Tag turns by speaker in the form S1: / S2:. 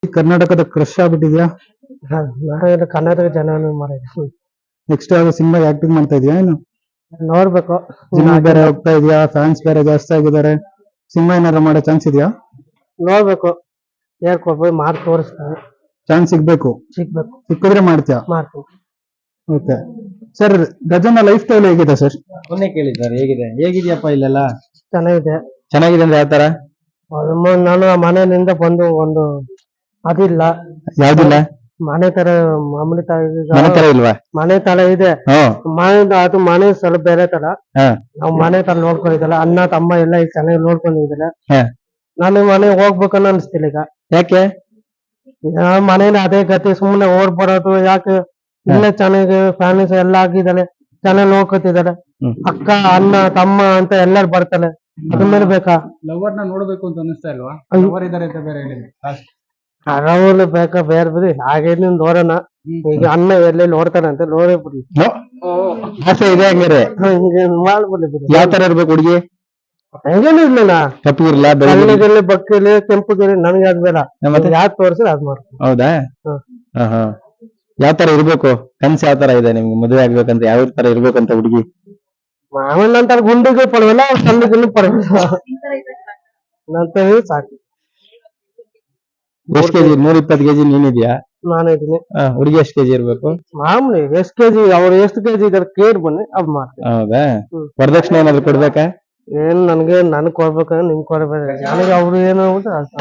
S1: ಈ ಕರ್ನಾಟಕದ ಕ್ರಶ್ ಆಗ್ಬಿಟ್ಟಿದ್ಯಾ?
S2: ಕರ್ನಾಟಕ ಜನ ಮಾಡಿದ್ವಿ.
S1: ನೆಕ್ಸ್ಟ್ ಯಾವ್ದೋ ಸಿನಿಮಾ ಆಕ್ಟಿಂಗ್ ಮಾಡ್ತಾ ಇದೀಯಾ ಏನು?
S2: ನೋಡ್ಬೇಕು.
S1: ಸಿನಿಮಾ ಬೇರೆ ಹೋಗ್ತಾ ಇದೆಯಾ? ಫ್ಯಾನ್ಸ್ ಬೇರೆ ಜಾಸ್ತಿ ಆಗಿದ್ದಾರೆ. ಸಿನಿಮಾ ಏನಾದ್ರು ಮಾಡೋ ಚಾನ್ಸ್ ಇದೆಯಾ?
S2: ನೋಡ್ಬೇಕು. ಹೇಳ್ಕೊಡ್ಬೋದು, ಮಾಡಿ ತೋರಿಸ್ತಾರೆ.
S1: ಚಾನ್ಸ್ ಸಿಗ್ಬೇಕು. ಸಿಕ್ಕಿದ್ರೆ ಮಾಡ್ತೀಯಾ?
S2: ಮಾಡ್ತೀವಿ.
S1: ಓಕೆ ಸರ್, ಗಜನ ಲೈಫ್ ಸ್ಟೈಲ್ ಹೇಗಿದೆ ಸರ್?
S3: ಮೊನ್ನೆ ಕೇಳಿದ್ದಾರೆ ಹೇಗಿದೆಯಪ್ಪ ಇಲ್ಲೆಲ್ಲ?
S2: ಚೆನ್ನಾಗಿದೆ.
S3: ಚೆನ್ನಾಗಿದೆ ಅಂದ್ರೆ ಯಾವ ತರ?
S2: ನಾನು ಮನೆಯಿಂದ ಬಂದು ಒಂದು ಅದಿಲ್ಲ.
S1: ಯಾವ್ದಿಲ್ಲ?
S2: ಮನೆ ತರ ಮಾಮೂಲಿ
S3: ಮನೆ ತರ ಇಲ್ವಾ?
S2: ಮನೆ ತರ ಇದೆ. ಅದು ಮನೆ ಸ್ವಲ್ಪ ಬೇರೆ ತರ. ನಾವು ಮನೆ ತರ ನೋಡ್ಕೊಂಡಿದ್ದಲ್ಲ, ಅಣ್ಣ ತಮ್ಮ ಎಲ್ಲ ಈಗ ಚೆನ್ನಾಗಿ ನೋಡ್ಕೊಂಡಿದ್ದಾರೆ. ನಾನು ಮನೆಗೆ ಹೋಗ್ಬೇಕನ್ನ ಅನ್ಸ್ತಿಲ್ಲ ಈಗ.
S3: ಯಾಕೆ?
S2: ಮನೇಲಿ ಅದೇ ಗತಿ, ಸುಮ್ಮನೆ ಓಡ್ಬರೋದು ಯಾಕೆ? ಇಲ್ಲೇ ಚೆನ್ನಾಗಿ ಫ್ಯಾಮಿಲಿ ಎಲ್ಲ ಆಗಿದ್ದಾರೆ, ಚೆನ್ನಾಗಿ ನೋಡ್ಕೊತಿದ್ದಾರೆ. ಅಕ್ಕ ಅಣ್ಣ ತಮ್ಮ ಅಂತ ಎಲ್ಲಾರು ಬರ್ತಾರೆ. ಅದ್ರ ಮೇಲೆ ಬೇಕಾ?
S3: ಲವರ್ ನ ನೋಡ್ಬೇಕು ಅಂತ ಅನಿಸ್ತಾ ಇಲ್ವಾ? ಲವರ್ ಇದಾರೆ ಅಂತ ಬೇರೆ ಹೇಳಿದ್ರು.
S2: ಅರವಲು ಬೇಕಾ ಬೇರೆ ಬಿಡಿ, ಹಾಗೆ ನೋಡೋಣ. ಈಗ ಅಣ್ಣ ಎಲ್ಲೇ ನೋಡ್ತಾನಂತೆ, ನೋಡೇ ಬಿಡಿ.
S3: ಆಸೆ ಇದೆ ಹಂಗಾರೆ?
S2: ಮಾಡ್ಬಿಡಿ ಬಿಡಿ.
S3: ಯಾವ ತರ ಇರ್ಬೇಕು ಹುಡುಗಿ?
S2: ಹಂಗೇನು ಇಲ್ಲ,
S3: ಕಪ್ಪು ಇರ್ಲ,
S2: ಬೆಳ್ಳಗಿರ್ಲಿ ಬಕ್ಕಿರ್ಲಿ ಕೆಂಪು ಗಿರ್ಲಿ ನನಗೆ ಅದ್ ಬೇಡ. ಯಾಕೆ ತೋರಿಸಿ ಅದ್ ಮಾಡ್ತೀನಿ.
S3: ಹೌದಾ? ಯಾವ ತರ ಇರ್ಬೇಕು? ಕನ್ಸು ಯಾವ ತರ ಇದೆ ನಿಮ್ಗೆ? ಮದುವೆ ಆಗ್ಬೇಕಂತ ಯಾವ ತರ ಇರ್ಬೇಕಂತ ಹುಡುಗಿ?
S2: ಮಾಮೂಲಿ ನಂತರ ಗುಂಡಿಗೂ ಪರವಾಗಿಲ್ಲ, ಕಲ್ಲಿಗೂ ಪರವಾಗಿಲ್ಲ, ನಂತರ ಸಾಕು.
S3: ಎಷ್ಟು ಕೆಜಿ? 120 ಕೆಜಿ ನೀನಿದ್ಯಾ?
S2: ನಾನಿದ್ದೀನಿ.
S3: ಹುಡುಗಿ ಎಷ್ಟು ಕೆಜಿ ಇರ್ಬೇಕು?
S2: ಮಾಮೂಲಿ ಎಷ್ಟು ಕೆಜಿ, ಅವ್ರು ಎಷ್ಟು ಕೆಜಿ ಇದಾರೆ ಕೇರ್ ಬನ್ನಿ, ಅದ್ ಮಾಡ್ತೀನಿ.
S3: ಹೌದಾ? ವರದಕ್ಷಿಣೆ ಏನಾದ್ರು ಕೊಡ್ಬೇಕಾ?
S2: ಏನ್ ನನ್ಗೆ ಕೊಡ್ಬೇಕಂದ್ರೆ ನಿಮ್ಗೆ ಕೊಡ್ಬೇಕು. ನನಗೆ ಅವ್ರು ಏನು